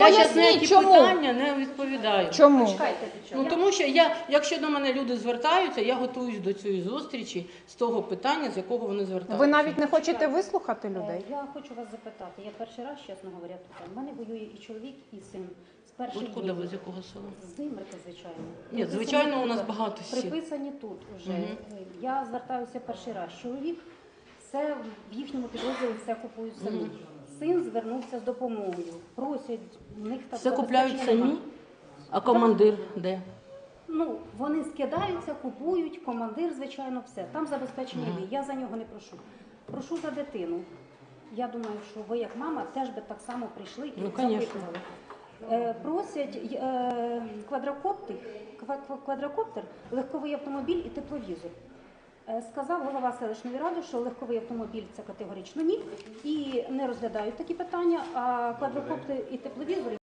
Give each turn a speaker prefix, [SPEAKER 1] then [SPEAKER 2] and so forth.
[SPEAKER 1] Я зараз на
[SPEAKER 2] Поясніть,
[SPEAKER 1] ті
[SPEAKER 2] чому?
[SPEAKER 1] питання не відповідаю.
[SPEAKER 2] Чому?
[SPEAKER 3] Чекайте,
[SPEAKER 1] Ну, тому що якщо до мене люди звертаються, я готуюсь до цієї зустрічі з того питання, з якого вони звертаються.
[SPEAKER 2] Ви навіть не хочете вислухати людей?
[SPEAKER 3] Я хочу вас запитати. Я перший раз, чесно говоря, тут. У мене воює і чоловік, і син. З перших
[SPEAKER 1] Откуда
[SPEAKER 3] днів.
[SPEAKER 1] ви, з якого села?
[SPEAKER 3] З Димирка, звичайно.
[SPEAKER 1] Ні,
[SPEAKER 3] Приписані
[SPEAKER 1] звичайно, у
[SPEAKER 3] тут,
[SPEAKER 1] нас багато сіл.
[SPEAKER 3] Приписані тут вже. Я звертаюся перший раз. Чоловік все в їхньому підрозділі все купують самі. Син звернувся з допомогою. Просять, в них так
[SPEAKER 1] Все купляють
[SPEAKER 3] забезпечення
[SPEAKER 1] самі?
[SPEAKER 3] нема.
[SPEAKER 1] А командир де?
[SPEAKER 3] Ну, вони скидаються, купують, командир, звичайно, все. Там забезпечення є. Я за нього не прошу. Прошу за дитину. Я думаю, що ви, як мама, теж би так само прийшли і запитували. Просять квадрокоптер, легковий автомобіль і тепловізор. Сказав голова селищної ради, що легковий автомобіль – це категорично ні, і не розглядають такі питання, а квадрокоптер і тепловізор